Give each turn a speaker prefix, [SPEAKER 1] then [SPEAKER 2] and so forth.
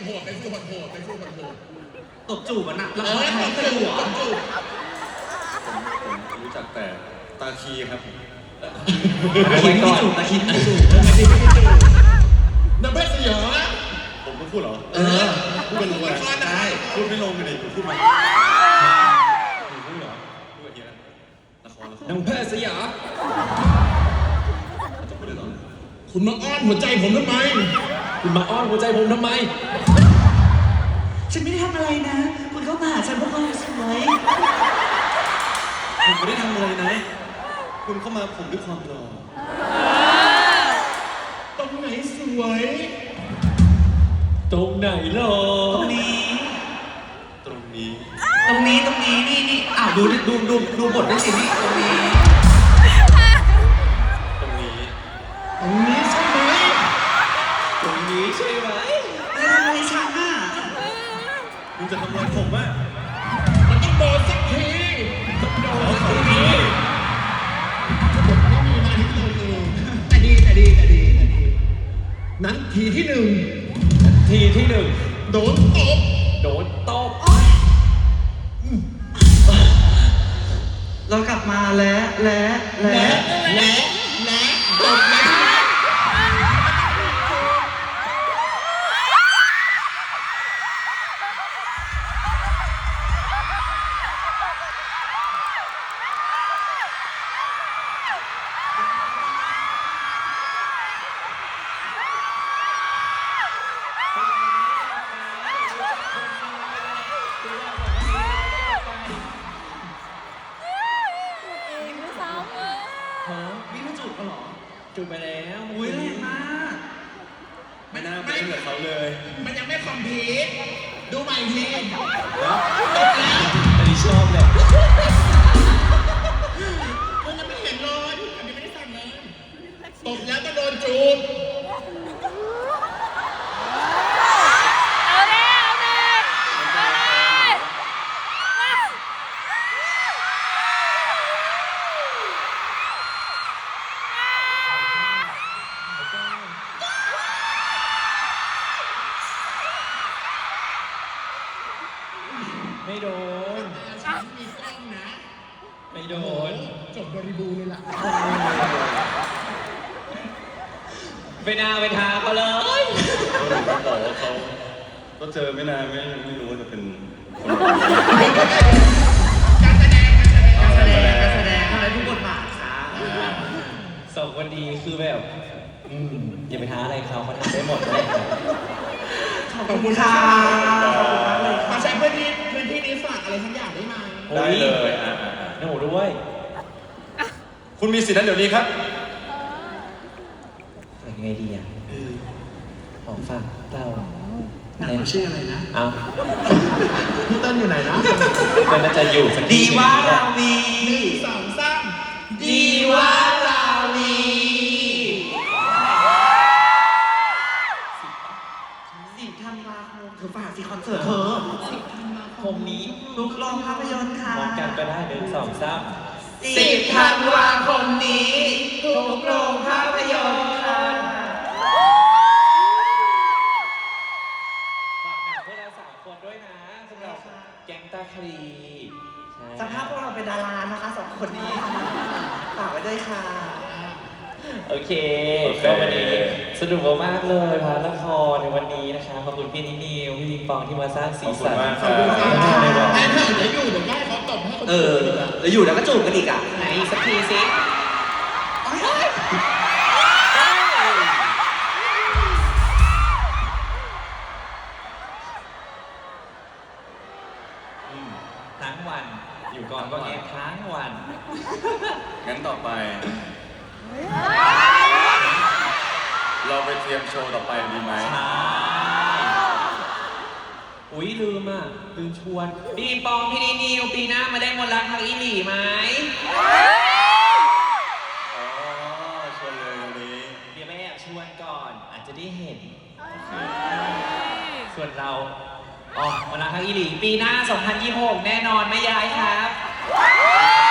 [SPEAKER 1] โหดเป็นฟิลโหดเป็นฟิลโหด
[SPEAKER 2] ตบจูบอ่ะนะแล้วเขาใช้ตบจูบ
[SPEAKER 3] ผมรู้จักแต่ตาคีครับ
[SPEAKER 2] ตะคินไม่จูบตะคินไม่จูบ
[SPEAKER 1] น้ำเพชรสยอง
[SPEAKER 3] ผมต้องพูดเหรอพูดเป็นลงเลย
[SPEAKER 1] ใช่
[SPEAKER 3] พูดไม่ลงเลยพูดมาพูดเหรอพูดแบบนี้นะละคร
[SPEAKER 2] น้องเพชรสยาม
[SPEAKER 3] จะพูดได้ตอน
[SPEAKER 1] คุณมาอ้อนหัวใจผมทำไม
[SPEAKER 2] คุณมาอ้อนหัวใจผมทำไม
[SPEAKER 4] ฉันไม่ได้ทำอะไรนะคุณเข้ามาหาฉันเพราะความสวย
[SPEAKER 3] ผมไม่ได้ทำอะไรนะคุณเข้ามาผมด้วยความหล่อ
[SPEAKER 1] ตรงไหนสวย
[SPEAKER 2] ตรงไหนหรอ
[SPEAKER 4] ตรงนี้นี่อ้าวดูบทด้วยสินี่ตรงนี้
[SPEAKER 1] ใช่ไหม
[SPEAKER 2] ตรงนี้ใช่ไหม
[SPEAKER 4] อะไรฉันน่ะ
[SPEAKER 3] คุณจะทำอะไรผมอ่ะ
[SPEAKER 1] มันต้องโดนสักทีไม่มีมาที่ตัวเองแต่ดีนั้นทีที่หนึ่งโดนตบ
[SPEAKER 4] เรากลับมาแล้ว
[SPEAKER 1] ตบแล้ว
[SPEAKER 4] วิ่งมาจูบกันเหรอ
[SPEAKER 2] จูบไปแล้ว
[SPEAKER 4] อุ้ยแรงมาก
[SPEAKER 3] ไม่น่าเป็นเหมือนเขาเลย
[SPEAKER 1] มันยังไม่คอมพลีทดูใหม่ทีตบ
[SPEAKER 2] แล้วอันนี้ชอบเลย
[SPEAKER 1] มันยังไม่เห็นเลยอันนี้ไม่ได้สั่งเลยตบแล้วก็โดนจูบ
[SPEAKER 2] ไม่โดน
[SPEAKER 1] ฉันมีกล้องนะ
[SPEAKER 2] ไม่โดน
[SPEAKER 1] จบบริบูรณ์เลยล่ะ
[SPEAKER 2] ไปนาไปทาเขาเลย
[SPEAKER 3] เขาบอกว่าเขาก็เจอไม่นานไม่รู้ว่าจะเป็นคน
[SPEAKER 1] การแสดง
[SPEAKER 4] ทำไมทุกบทบาทคะ
[SPEAKER 2] สองคนดีคือแบบอย่าไปท้าอะไรเขาทำได้หมดเลย
[SPEAKER 4] ขอบคุณค่ะ
[SPEAKER 1] มาใช้พื้นที่นี้ฝากอะไรทั้งอย่างได้ไหม
[SPEAKER 3] ได้เลย
[SPEAKER 2] หนูด้วย
[SPEAKER 3] คุณมีสิทธิ์นั้นเดี๋ยวนี้ครับ
[SPEAKER 2] ยังไงดีอ่ะของฝากเรา
[SPEAKER 4] เขาชื่ออะไรนะ
[SPEAKER 2] เอา
[SPEAKER 1] พี่เต้นอยู่ไหนนะ
[SPEAKER 2] เต้นน่าจะอยู่สัก
[SPEAKER 4] ดีว่าราวี
[SPEAKER 1] 1 2 3
[SPEAKER 4] ดีว่าราวี10 ธันวาคมเธอฝากสิคอนเสิร์ตเธอ
[SPEAKER 1] 10 ธันวาคม
[SPEAKER 2] นี้
[SPEAKER 4] ทุกโรงภาพยนตร์ค่ะ
[SPEAKER 2] มองกันก็ได้1 2 3
[SPEAKER 4] 10 ธันวาคมนี้ทุกโรงภาพยนตร์ค่ะ
[SPEAKER 2] ฝากหนังพวกเรา3 คนด้วยนะสำหรับแก๊งตาคลี
[SPEAKER 4] สภาพพวกเราเป็นดารานะคะ2 คนนี้ฝากไว้ด้วยค่ะ
[SPEAKER 2] โอเคก็วันนี้สนุกมากเลยพาละครในวันนี้นะคะขอบคุณพี่นิวพี่ลิงปองที่มาสร้างสีสัน
[SPEAKER 1] ขอบคุณค่ะเดี๋ยวอยู่เดี๋ยวได้เขาตบให้คน
[SPEAKER 4] แล้วอยู่แล้วก็จูบกันอีกอ่ะไหนสักทีสิ
[SPEAKER 2] ทั้งวันอยู่ก่อนก็แง่ทั้งวัน
[SPEAKER 3] งั้นต่อไปเราไปเตรียมโชว์ต่อไปดีไหม
[SPEAKER 2] ใช่อุ๊ยลืมชวนดีปองพี่นิวปีหน้ามาได้มนต์รักทางอีหลีไหม
[SPEAKER 3] ชวนเลยวันนี้
[SPEAKER 2] เดี๋ยวแม่แอบชวนก่อนอาจจะได้เห็นส่วนเรามนต์รักทางอีหลีปีหน้า2026แน่นอนไม่ย้ายครับ